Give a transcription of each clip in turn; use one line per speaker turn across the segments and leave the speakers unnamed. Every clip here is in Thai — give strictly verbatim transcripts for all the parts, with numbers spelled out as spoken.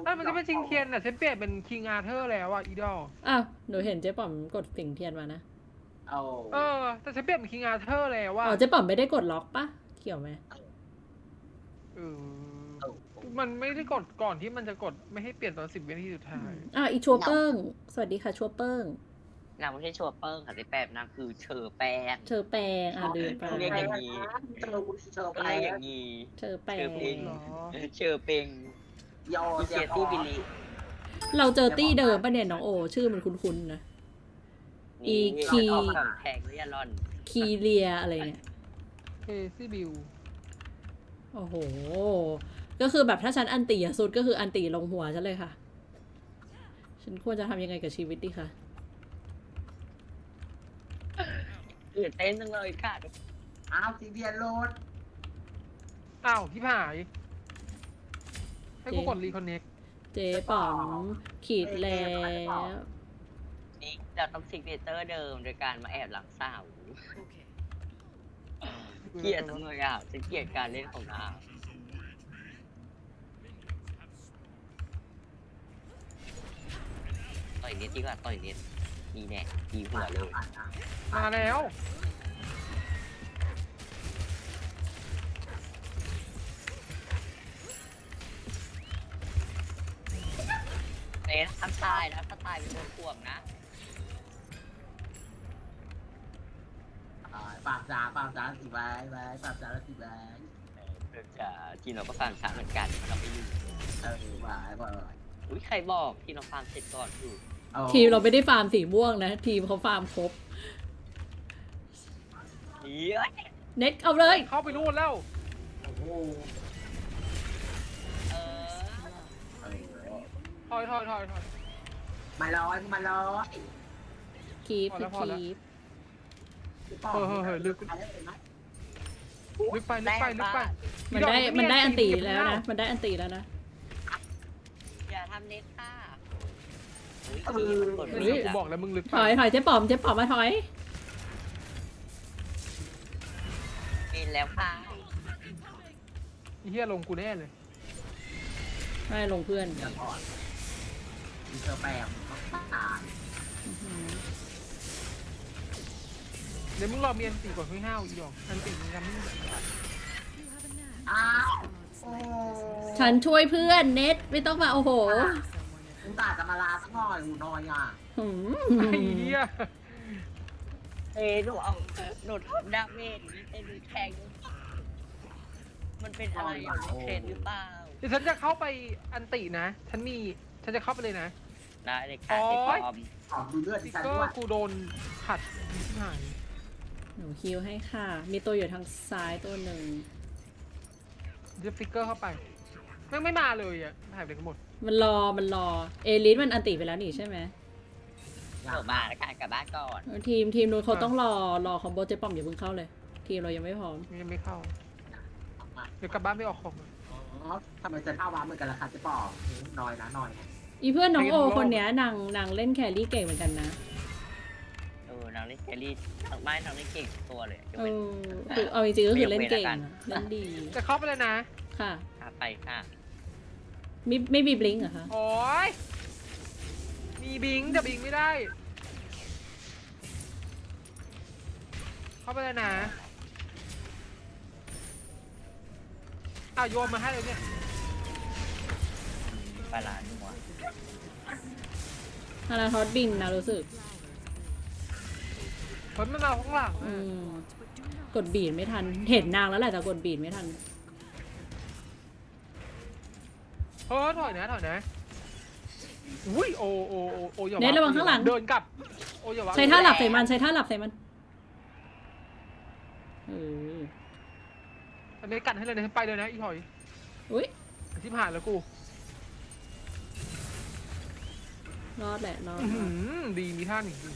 นั่นมันจะเป็นชิงเทียนอ่ะฉันเปลี่ยนเป็นคิงอาเธอร์แล้วอ่ะอีดอล
อ้าวหนูเห็นเจ๊ป๋อมกดสิงเทียนมานะ
เอา
เออแต่ฉันเปลี่ยนเป็นคิงอาเธอร์แล้วว่า
อ๋อเจ๊ป๋อมไม่ได้กดล็อกปะเกี่ยวไหม
เออมันไม่ได้กดก่อนที่มันจะกดไม่ให้เปลี่ยนตอนสิบวินาทีสุดท้าย
อ่ะอีชัวเปิ้งสวัสดีค่ะชัวเปิ้ง
นางไม่ใช่ชัวเปิ้งค่ะที่แปบนางคือเชอแป้ง
เชอแปงอ่ะลืมไป
เรียกอย่างนี้
เจอเจอไป
เรียกอย่างนี้
เชอแป
เชอง เป้ง
หรอ
เชอเป้ง
ยอ
อีเซียตี้บิลลี่
เราเจอตี้เดิมปะเนี่ยน้องโอ ชื่อมันคุ้นๆนะ อี
นี่
คี
เอาของแพงหรือยันร่อน
คีเลียอะไรเนี่ย
เคซี่บิล
โอ้โห ก็คือแบบถ้าฉันอันตีอะสุดก็คืออันตีลงหัวฉันเลยค่ะ ฉันควรจะทำยังไงกับชีวิตดีคะ
ตื่นเต้นจังเลยค่ะ
อ้าวซีเดียนโรด
อ้าวพี่ผาย ให้กูกดรีคอนเน็ก
เจ๊ป๋อมขีดแล้ว
นี่เราต้องซิกเนเจอร์เดิมโดยการมาแอบหลังสาวเกลียดจังเลยอ่ะฉันเกลียดการเล่นของนางต่อยเน็ตดีกว่าต่อยเน็ตดีแน่ดีหัวเลย
มาแล้ว
เน็ตทำตายนะถ้าตายเป็นโดนข่วงนะ
ปากจ๋าปากจ๋าสิไว้ไว้ปากจ๋าสิไว้
เออจะทีมเราก็ฟังช้าเหมือนกันเราไม่อยู่
เออไว้ไว้
อุ้ยใครบอกทีมเราฟังเสร็จก่อนอยู่
ทีมเราไม่ได้ฟาร์มสีม่วงนะ ทีมเขาฟาร์มครบ
เฮ้ย
เน็ตเอาเลย
เข้าไปนู่นแล้ว
โอ้โห
เออ
ถอยถอยถอยถอย
มาลอยมาลอย
คีป
พอแล้วพอแล้ว
คีป
ลึกไปลึกไปลึกไป
มันได้มันได้อันตีแล้วนะ มันได้อันตีแล้วนะ
อย่าทำเน็ตค่ะ
เอ
อุ้ย
อ
มันกด
เฮ้
ไม่
ย
ได้
กูบอกแล้วมึงลึก
ถ
ไป
อยถอยเจ๊ป๋อมเจ๊ป๋อมมาถอย
กินแล้วค่ะ
เฮียลงกูแน่เลย
ไม่ลงเพื่อน
เดี๋ยวก่อนมีเธอแปมต้องตาย
อื้อหือ
เดี๋ยวมึงรอเมียนตีก่อนเพิ่งห้าวอีดอกอันตีมึงกันมึง
อ้าวโอ้
ฉันช่วยเพื่อนเน็ตไม่ต้องมาโอ้โห
คุณตาจะมาลาสักหน่อยหูน้อยอ่ะ
หืม
ไอ้เฮีย
เอ้ยหนูเอาหนูทำดาเมจนี่เป็นแทงมันเป็นอะไรอย่างเทรนหรือเปล่า
เดี๋ยวฉันจะเข้าไปอันตินะ ฉันมี ฉันจะเข้าไปเลยนะ
ได้เลยค่ะ
โอ๊
เด็ก
ย
ปลอม
ขอดูเลือด
ส
ที่
ติ๊ก
ฉัน
เกอ
ด้วย
ร์กูโดนขัดที่หาย
หนูคิวให้ค่ะ มีตัวอยู่ทางซ้ายตัวหนึ่ง
เดี๋ยวสติ๊กเกอร์เข้าไปแม่งไม่มาเลยอ่ะหายไปไหนกันหมด
มันรอมันรอ เอลิสมันอันติไปแล้วนี่ใช่ไหม
เดี๋ยวมาแล้วกันกลับบ้านก่อน
ทีมทีมนู้นเขาต้องรอรอคอมโบเจ๊ป้อมอย่าเพิ่งเข้าเลย ทีมเรายังไม่พร้อม
ยังไม่เข้า เดี๋ยวกลับบ้านไม่ออกของ
อ๋อทำไมจะเข้าวาเหมือนกันล่ะคะเจ๊ปอน้อยนะน้อย
อีเพื่อนน้องโอ
ไม่รู้
คนเนี้ยนางนางเล่นแครี่เก่งเหมือนกันนะ
เออนางเล่นแครี่ทางบ้านนางเล่นเก่งทุกตัวเลยยก
เอ
เว้น
อคือเอาจริงๆก็คือเล่นเก่งอะเล่นดี
จะเข้าไปเลยนะ
ค่ะ
ค่ะไปค่ะ
ไม่ไม่มีบลิงก์เหรอคะ
โอ้ยมีบิงแต่บิงไม่ได้ เข้าไปเลยนะอ้าวโยนมาให้เลยเนี่ย
ปลาลาหัว
ฮานาทอสบินนะรู้สึก
เฮ้ยมันมาข้างหลัง
อื
อะ
มกดบีดไม่ทัน เห็นนางแล้วแหละแต่กดบีดไม่ทัน
เฮ้ยถอยนะถอยนะอุ้ยโอโอโอโออย่า
เน็ตระวังข้างหลัง
เดินกลับโออย่าวะ
ใช้ท่าหลับใส่มันใช้ท่าหลับใส่มันเออ
อันนี้กันให้เลยนะไปเลยนะอีถอย
อุ้ย
ที่ผ่านแล้วกู
รอดแหละรอด
อื้อ
ร
หื
อด
อดีมีท่าหนึ่งดี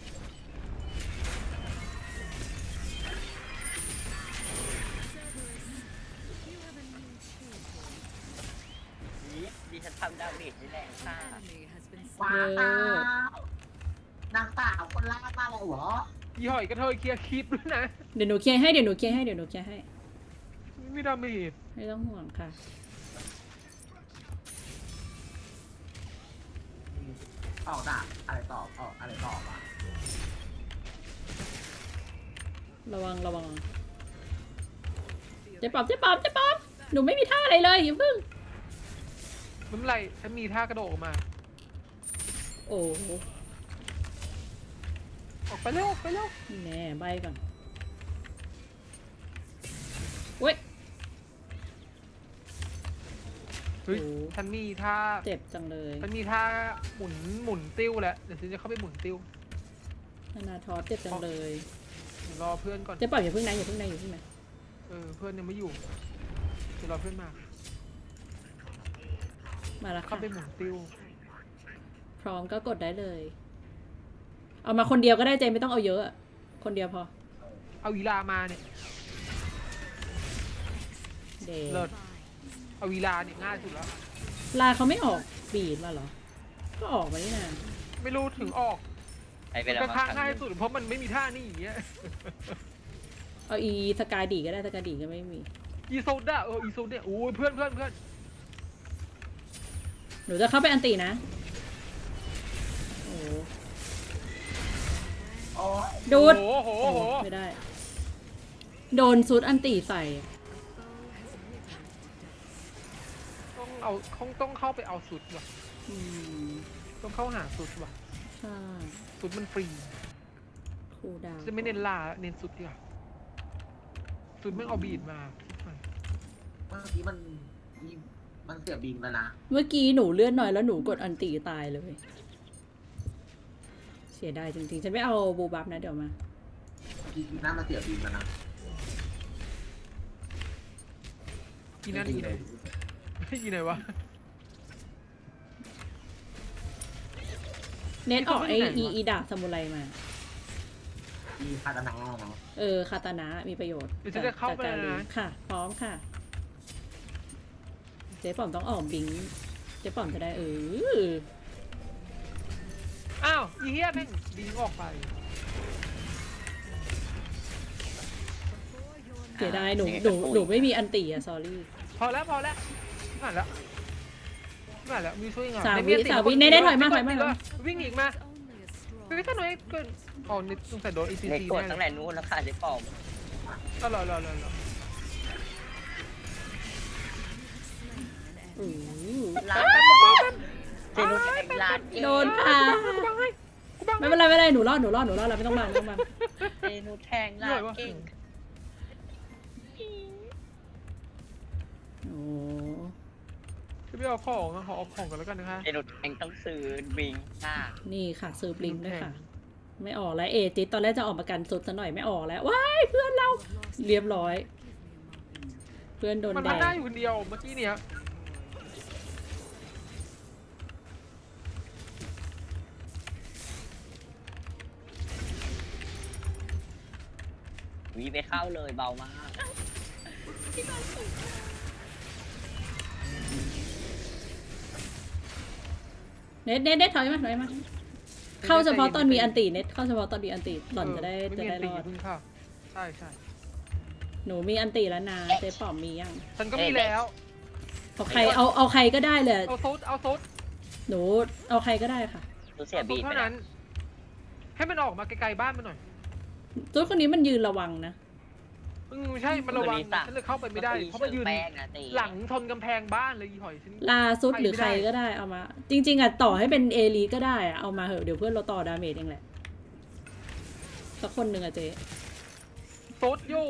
ดิฉันทำดาเมจนี่แหละค่ะ
ว้าวนางสาวคนล่ามาแล้วเหรอ
อีถอยกระเทยเคลียร์คลิปด้วยนะ
เดี๋ยวหนูเคลียร์ให้เดี๋ยวหนูเคลียร์ให้เดี๋ยวหนูเคลียร์ให้
ไม่มีดาเมจ
ไม่ต้องห่วงค่ะ
ออกดาบอะไรต่อออกอะไรต่อวะ
ระวังระวังเจ๊ปอบเจ๊ปอบเจ๊ปอบหนูไม่มีท่าอะไรเลยอย่าเพิ่ง
ไม่เป็นไรฉันมีท่ากระโดดออกมา
โอ้โห
ออกไปเร็วออกไปเร็ว
แน่ใบก่อนเว้ย
เฮ้ย
โอ้
ฉันมีท่า
เจ็บจังเลย
ฉันมีท่าหมุนหมุนติ้วแล้วเดี๋ยวฉันจะเข้าไปหมุนติ้ว
นานาทอสเจ็บจังเลย
เดี๋ยวรอเพื่อนก่อน
เจ๊ปอบอย่าเพิ่งนะอย่าเพิ่งนะอย่าเพิ่งนะ
เออเพื่อนยังไม่อยู่เดี๋ยวรอเพื่อนมา
มาแล้ว
เข้า
ค่ะ
ไปหมุนติ้ว
พร้อมก็กดได้เลย เอามาคนเดียวก็ได้เจไม่ต้องเอาเยอะอะคนเดียวพอ
เอาวีลามาเนี่ย
เด
เลิศเอาวีลาเนี่ยง่ายสุดแล้ว
ลาเขาไม่ออกบีดมาเหรอ ก็ออกมานี่นา
ไม่รู้ถึงออก
ไปเป็น
ก็
อะไร
ท่าง่ายสุดเพราะมันไม่มีท่านี่อย่างเงี้ย
เอาอีสกายดีก็ได้สกายดีก็ไม่มี
อีโซดาเอออีโซดาโอ้ยเพื่อนเพื่อนเพื่อน
หนูจะเข้าไปอันตีนะ โอ้
โอ้ย
ดูด
โอ้โหโอ้โห
ไม่ได้ โดนซูดอันตีใส่
ต้องเอาต้องต้องเข้าไปเอาสุดว่ะ
อืม
ต้องเข้าหาสุดว่ะ
ใช่
สุดมันฟรี
คูลดาวน์
จะไม่เน้นลาเน้นสุดดีกว่าสุดไม่เอาบีดมา
เมื่อกี้มันมีมันเสียบิงแล้วนะ
เมื่อกี้หนูเลื่อนหน่อยแล้วหนูกดอันตีตายเลย เสียดายจริงๆ ฉันไม่เอาบูบับนะเดี๋ยวมา
ทีทีหน้ามันเสียบิงแล้วนะ
อีนั่นอีไหนอีไหนวะ
เน็ตออกไอ
ที่เขาไม่ไหนวะ
อีอีดาบซามูไรมา
ทีคาตานาเนาะ
เออ คาตานะมีประโยชน์
เดี๋ยวฉันจะเข้าไป
จาก
แล้ว
การ
นะ
ค่ะ พร้อมค่ะ เจ๊ป๋อมต้องออกบิง เจ๊ป๋อมจะได้เออ
อ้าวอีเฮียแม่งบิงออกไป
เสียดายหนูหนูหนูไม่มีอันตีอะซอรี่
พอแล้วพอแล้วผ่านแล้วผ่านแล้วมีช่วยงาน
สาม
ใน
วิ
เมียติ
สามวิ
คน
เน
ดี
เน่
วะ
ถอยมา
ไกด
ถอยมา
ติด
ถอยมา
วะวิ่งอีกมาไปไม่ทันหน่อยเกินอ๋อนี่ต้องใส่โดน อี ซี
เล็ก
ซี
กด
แน่
ตั้ง
เล
แต่
ย
นู้นแล้วค่ะเจ๊ปอม
อ๋อเหรอเหรอเหรอเหรอ
อือ
ร้านเจนุชแข่งร้านเอง
โดนค่ะ
กูบังให้กูบัง
ไม่เป็นไรไม่เป็นไรหนูรอดหนูรอดหนูรอดแล้วไม่ต้องมาไม่ต้องมา
เจนุชแข่งร้านเอง
โอ้
จะไปเอาของอะขอเอาของกันแล้วกันนะคะ
เจนุชแข่งต้องซื้อบิงค่ะ
นี่ค่ะซื้อปลิงด้วยค่ะ ไม่ออกแล้วเอจิตตอนแรกจะออกมากันสุดซะหน่อยไม่ออกแล้วว้ายเพื่อนเราเรียบร้อย เพื่อนโดน
มัน
แด
ทำได้
ง
อยู่คนเดียวเมื่อกี้เนี่ย
วีไปเข้าเลยเบามาก
เน็ตเน็ตเน็ตถอยมาถอยมาเข้าเฉพาะตอนมีอันตีเน็ตเข้าเฉพาะตอนมีอันตีหล่อนจะได้
ไม่
จะ
มี
ได้
อัน
ร
ตี
อด
เพิ่งเข้าใช่ใช่
หนูมีอันตีแล้วนะเจ๊ป๋อมมียัง
ฉันก็มีแล้ว
เอาใครเอาเอาใครก็ได้เลย
เอาซุดเอาซุด
หนูเอาใครก็ได้ค่ะ
รู้เสีย
เอา
บี
ซุด
ไป
เท่า
แล้
นั้
วน
ให้มันออกมาไกลๆบ้านมันหน่อย
ตัวคนนี้มันยืนระวังนะ
อืมใช่มันระวังฉันเลยเข้าไปไม่ได้เพราะมันยืน
แป้งนะตี
หลังชนกำแพงบ้านเลยอีหอยฉัน
ลาซุดหรือ
ไป
ใคร
ไม่ได้
ก็ได้เอามา จริง ๆอ่ะต่อให้เป็นเอลีก็ได้อ่ะเอามาเหอะเดี๋ยวเพื่อนเราต่อดาเมจเองแหละสักคนหนึ่งอะเจ๊
ซุดอยู่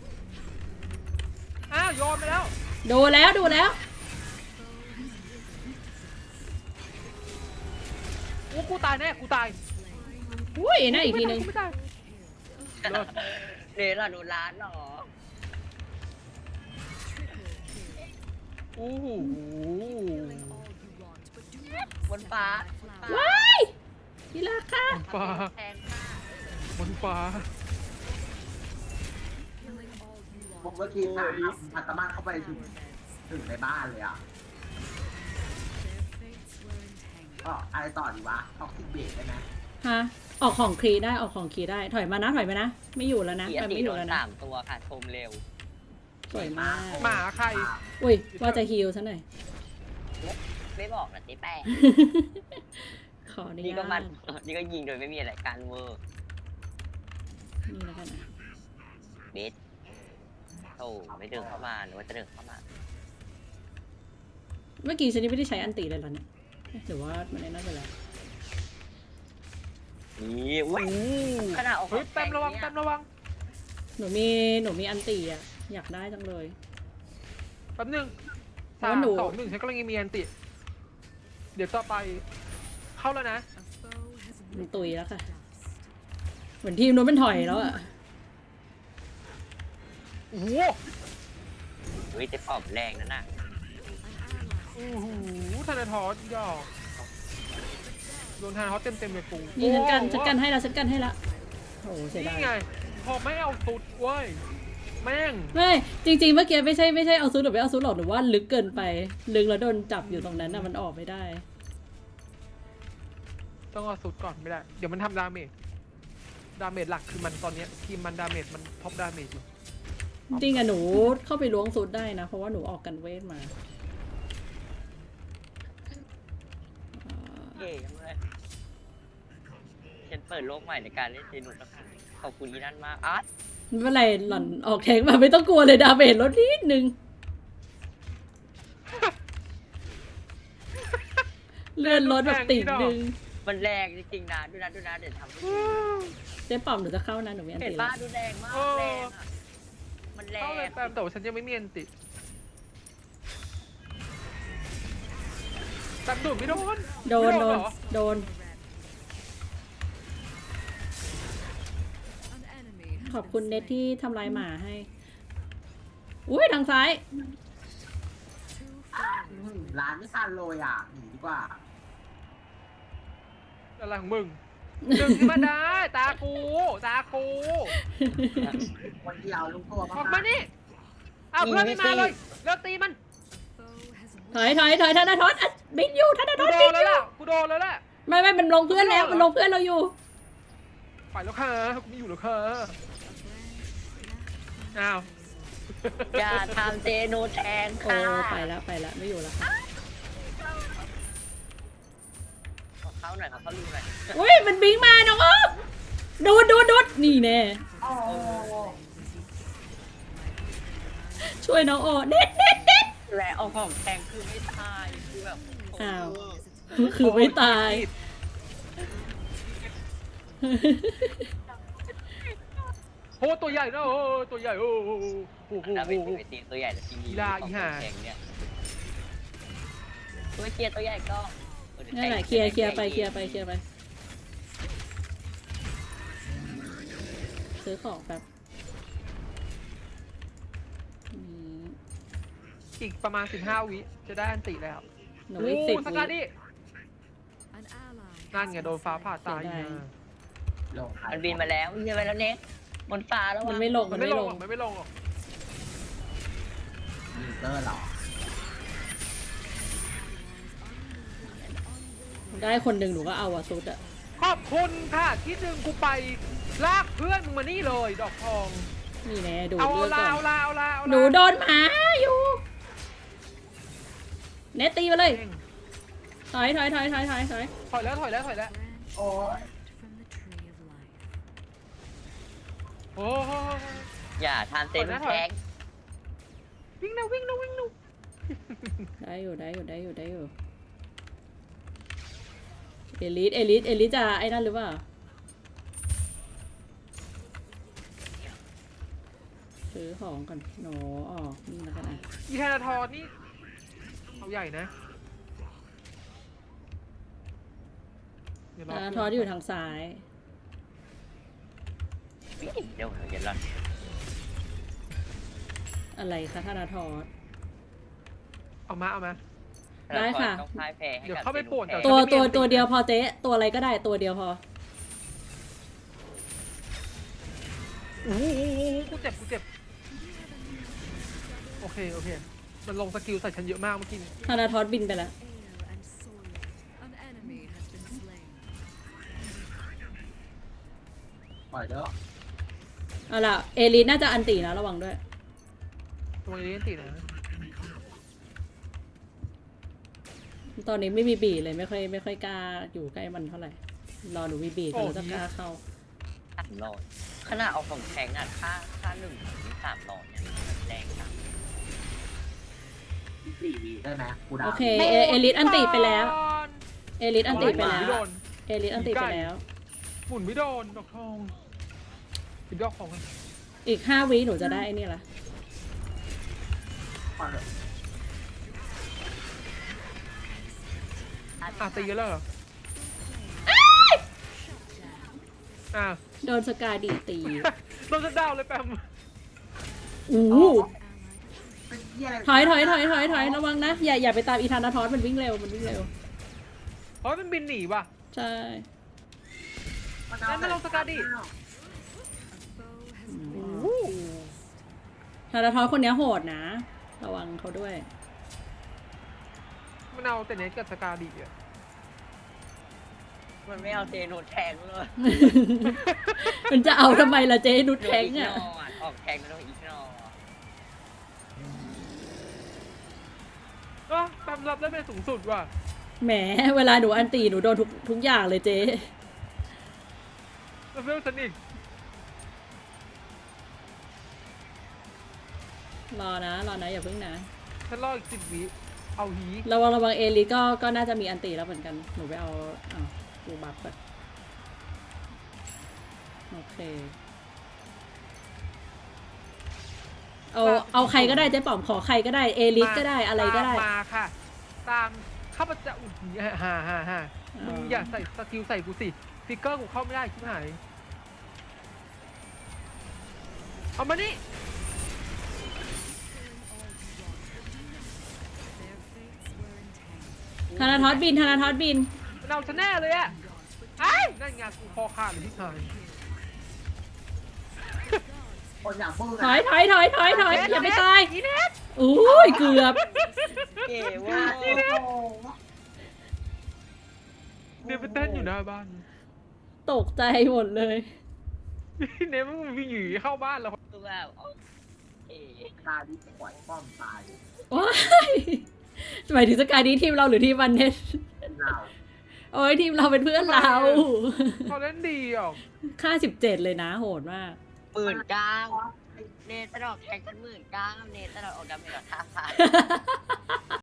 อ้าวยอมไปแล้ว
ดูแล้วดูแล้ว
โอ้กูตายแน่กูตาย
อุ้ยน่าอีกทีนึง
ไม่ตายเลิศ
เนล่ะโดนร้านเหรอ
โอ้โห
บนฟ้า
ว้ายทีละค่ะ
บนฟ้า
แทงค่ะ
บนฟ้า
ผมเมื่อกี้สามมันสามารถเข้าไปถึงถึงในบ้านเลยอ่ะก็อะไรต่อดีวะท็อกซิกเบรกได้ไหม
ฮะออกของครีได้ออกของครีได้ถอยมานะถอยมานะไม่อยู่แล้วนะ
เสีย
แบบ
ตี
ไม่อ
โด
ยู่
น
แล้วนะ
สามตัวค่ะชมเร็ว
สวยมาก
หมาใคร
อุ้ยว่าจะฮิลซะหน่อย
ไม่บอกนะเจ๊แป้ง
ขออนุ
นี่
ญา
ก็มัน
ต
นี่ก็ยิงโดยไม่มีอะไรการเวอร์
นี่แล้วกันนะ
เบสโอ้ไม่เดินเข้ามาหรือว่าจะเดินเข้ามา
เมื่อกี้ฉันยังไม่ได้ใช้อันติเลยเหรอเนี่ยเอ๊ะหรือว่ามันได้น่าไปแล้ว
นี่อุ้ยขนาดออก
เฮ้ยแต้มระวังแต้มระวัง
หนูมีหนูมีอันติอ่ะอยากได้จังเลย
แป๊บนึง
เพ
สา
ราะ
ม
หนู
สองหนึ่งฉันกำลังมีอันติ เดี๋ยวต่อไป เข้าแล้วนะ
มันตุยแล้วค่ะ เหมือนทีมนู้นเป็นถอยแล้วอ่ะ
โอ้โห
เฮ้ยเจ๊ปอบแรงนั่นน่ะ
โอ้โหธนาทอสยอกโดนธนาทอสเต็มเต็มๆเลยปู
นี่ฉันกัน
โอ้โห
ฉันกันให้ละฉันกันให้ละโอ้โหเสียดา
นี่
ย
ไง พอไม่เอาสุดเว้ย แม่ง
ไม่จริงๆเมื่อกี้ไม่ใช่ไม่ใช่เอาซุดหรือไม่เอาซุดหรอกหรือว่าลึกเกินไป ลึกแล้วโดนจับอยู่ตรงนั้นน่ะมันออกไม่ได้
ต้องเอาสุดก่อนไม่ได้ เดี๋ยวมันทำดาเมจ ดาเมจหลักคือมันตอนเนี้ยทีมมันดาเมจมันท็อปดาเมจอยู่
จริงๆอะหนูเข้าไปล้วงซุดได้นะ เพราะว่าหนูออกกันเวทมาอ่า
เย่จังเลยฉันเปิดโลกใหม่ในการเล่นเจนุสแล้วค่ะขอบคุณที่นั่นมากอาร์ต
ไม่เป็นไรหล่อนออกแทงมาไม่ต้องกลัวเลยดาเมจลดนิดนึง เลื่อนลดแบบติ่งนึง
มันแรงจริงๆนะดูนะดูนะเดี๋ยวทำให้ดู
เจ๊ปอมหนูจะเข้านะหนูมีอัน
เห็น
ตี
ป้า
แล้ว
ดูแรงมาก
เออ
แรงอ่ะมันแร
เข้าเลย
ง
แปมแต่ว่าฉันยังไม่มีอันติแปมดูดไม่โดน
โดน
ไม่
โดน
เหรอ
โดน ขอบคุณเน็ตที่ทำลายหมาให้ อุ้ยทางซ้าย
อืมร้านไม่ทันเลยอ่ะหนีดีกว่า
อะไรของมึงดึงขึ้นมาได้ ตากู ตากู
คนเดียวลุงตัว
ออกมานี่อ้าวเพื่อนไม่มาเลยเลิกตีมัน
ถอยถอยถอยธนาทอนอ่ะบินอยู่ธนาท
กู
อน
โด
บิ
น
น
แล้ว
อยู่
ล่ะกูโดนแล้วแหละ
ไม่ไม่มันลงเพื่อนแล้ว
ไม่
มัน
ได้เหรอ
ลงเพื่อนเราอยู่
ไปแล้วค่ะกูไม่อยู่แล้วค่ะอ้าว
อย่าทำเจนุสแทง
โอ้
ค่ะ
ไปแล้วไปแล้วไม่อยู่แล้วค่ะ
ขอเข้าหน่อยขอเข้ารูหน่อย
อุ้ยมันบิงมาน้องอ๊อฟดูดดูดดูดนี่แน่
โอ้
ช่วยน้องโอเด็ดเด็ดเด็ด
แรงเอาของแทงคือไม่ตายคือแบบ
อ้าว คือไม่ตาย
โอ้ตัวใหญ่นะโอ้ตัวใหญ่โอ้โหโอ้โห
แล้วเป็นไปตีตัวใหญ่แต่ทีนี้
อีลาอีห่า
แทงเนี่ยตัวเคลียร์ตัวใหญ่ก็
นั่นแหละเคลียร์เคลียร์ไปเคลียร์ไปเคลียร์ไป ซื้อของแบบอืม
อีกประมาณสิบห้าวิจะได้อันติแล้ว
หนูอีกสิบ
ส
วิ
กัดดินั่นไงโดนฟ้าผ่าตาย
เสียดาย
อ่ะ
ลง
มันบินมาแล้วบินมาแล้วเน็กบนฟ้าแล้ว
มันไม่ลง
มั
มัน น
ไม่
ไม่
ล
ล
ง
ง
หรอกมันไม่ลงหรอก
มีเตอร์เหรอ
ได้คนหนึ่งหนูก็เอาอะซุดอะ
ขอบคุณค่ะที่ดึงกูไปลากเพื่อนมึงมานี่เลย ดอกทอง
นี่แน่ดูด
เอา
เลือด
ลา
ก่อ
เอา
น
ลาเอาลาเอาลา
หนูโดนหมาอยู่เนตตีมาเลย
เอง
ถอยถอยถอยถอยถอยถอย
ถอยแล้วถอยแล้วถอยแล้ว
โอ้ย
โอ้โห
อย่าทำเจนุสแทง
วิ่งนะวิ่งนะวิ่งนะ
ได้อยู่ได้อยู่ได้อยู่ได้อยู่เอลิสเอลิสเอลิสจะไอ้นั่นหรือเปล่าซื้อของก่อนหนูออกนี่แล้วกันนะ
อีธนาทรนี่เอาใหญ่นะเดี๋ยวร
ธนาทอนอยู่ทางซ้าย
เดี๋ยวเดี๋ยวเดี๋ยวรอน
อะไรคะธนาทอน
เอามาเอามา
ได้ค่ะ
ต้องพ่ายแพ้ให้
เดี๋ยว
กับ
เข้าไปป่วน
จนุสแทง
ตัว
ไม่มี
ตัว
อันติ
ตัวเดียวพอเจ๊ตัวอะไรก็ได้ตัวเดียวพอ
โอ้โหกูเจ็บกูเจ็บโอเคโอเคมันลงสกิลใส่ฉันเยอะมากเมื่อกี้นี้
ธนาทอนบินไปแล้ว
ปล่อยเด้อ
เอาล่ะเอลิสน่าจะอันตีนะระวังด้วย
ตรงนี้อันตินะ
ตอนนี้ไม่มีบีดเลยไม่ค่อยไม่ค่อยกล้าอยู่ใกล้มันเท่าไหร่ รอหนูมีบีดแล้วจะกล้าเข้า
สามหลอดขนาดเอาของแข็งอ่ะค่าค่าหนึ่งถึงสามหลอดเนี่ยแรงนะ
สี่วีได้ไหมกูดาว
โอเค เอเอลิสอันติไปแล้ว เอลิสอันติไปแล้ว
ไม่โดน
เอลิสอันติไปแล้ว
หมุนไม่โดนดอกทองปิดดอกของกัน
อีกห้าวิหนูจะได้ไอ้นี่ละ
ก่อนเถอะ
อ่ะตีแล้วเหรออ่ะ
โดนสกาดีตี
โดนจะดาวเลยแปม
อู้
เป็นเหี้ยอะไร
ถอยถอยถอยถอยถอยระวังนะ อย่าอย่าไปตามอีธานาทอสมันวิ่งเร็วมันวิ่งเร็ว
เพราะมันบินหนีว่ะ
ใช่
มันเอา
งั้นมาลงสกัดดิ
ธานาทอสคนเนี้ยโหดนะ ระวังเขาด้วย
มันเอาแต่เน็ตกับสกาดีอ่ะ
มันไม่เอาเซโนแทงเลย
มันจะเอาทำไมล่ะเจ๊นุชแทง
โดน
อ่ะ
กนอออกแทงก็ต้องอีกนอ
ก็แปมรับได้เป็นสูงสุดว่ะ
แหมเวลาหนูอันตีหนูโดนทุกทุกอย่างเลยเจ๊
แล้วเฟลสนิก
รอนะรอนะอย่าเพิ่งนะ
ฉันรออีกสิบวิเอาหี
ระวังระวังเอลิก็ก็น่าจะมีอันตีแล้วเหมือนกัน หนูไปเอาเอาดูบัฟก่อนโอเค เอาเอาใครก็ได้เจ๊ป๋อมขอใครก็ได้เอลิสก็ได้อะไรก็ได้
ตามมาค่ะ ตามข้าพเจ้าอุ้ยฮ่าฮ่าฮ่ามึงอย่าใส่สกิลใส่กูสิฟิกเกอร์กูเข้าไม่ได้ชิบหายเอามานี่
ธนาทอสบินธนาทอสบิน
มันเอาฉันแน่เลยอะไอ้นั่นไงกูคอขาดเลยที่หาย
คนอย่างมึง
ถอยถอยถอยถอยถอยอย่าไปตาย
อีเน็ต
อุ้ยเกือบ
เก๋เว่า
โอ้โห
เน็ตไปเต้นอยู่หน้าบ้าน
ตกใจหมดเลย
เน็ตมันวิ่งหนีเข้าบ้านแล้ว
ตัวแบบเอ๋
ตาดิปล่อยป้อมตาย
ว้ายหมายถึงสกายดีทีมเราหรือทีมวันเน็ต
เรา
โอ้ยทีมเราเป็นเพื่อนเรา
เขาเล่นดีอ่ะ
ค่าสิบเจ็ดเลยนะโหดมาก
หมื่นเก้าเนตตลอดแทงกันหมื่นเก้าเนตตลอดออกดาเมจห้าพัน